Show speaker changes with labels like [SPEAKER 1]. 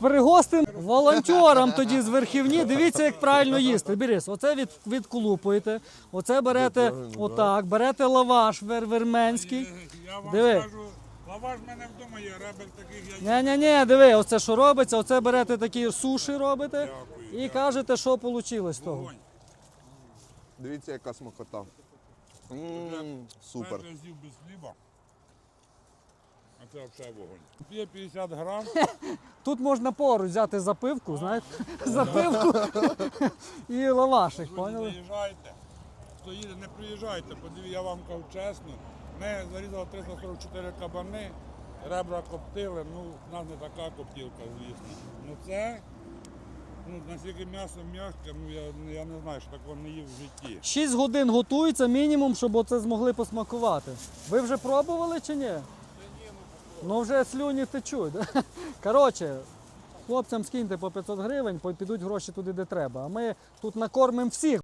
[SPEAKER 1] пригостимо волонтерам тоді з верхівні. Дивіться, як правильно їсти. Берись, оце відколупуєте, оце берете отак, берете лаваш верменський.
[SPEAKER 2] Я вам
[SPEAKER 1] Диви.
[SPEAKER 2] скажу, лаваш в мене вдома є, ребер таких я їм.
[SPEAKER 1] Ні, диви, оце що робиться, оце берете такі суші робите
[SPEAKER 2] Дякую,
[SPEAKER 1] і кажете, що вийшло з того.
[SPEAKER 2] Вогонь.
[SPEAKER 3] Дивіться, яка смакота. Супер.
[SPEAKER 2] 5 разів без хліба. А це взагалі вогонь. Є 50 грам.
[SPEAKER 1] Тут можна поруч взяти запивку, знаєте, запивку і лавашик,
[SPEAKER 2] Друзі,
[SPEAKER 1] поняли?
[SPEAKER 2] заїжджайте. Хто їде, не приїжджайте. Подивіться, я вам кажу чесно. Ми зарізали 344 кабани, ребра коптили. Ну, в нас не така коптілка, звісно. Ну це, наскільки м'ясо м'яке, я не знаю, що такого не їв в житті.
[SPEAKER 1] 6 годин готується мінімум, щоб оце змогли посмакувати. Ви вже пробували чи ні? Ну вже слюні течуть. Да? Коротше, хлопцям скиньте по 500 гривень, підуть гроші туди, де треба. А ми тут накормимо всіх.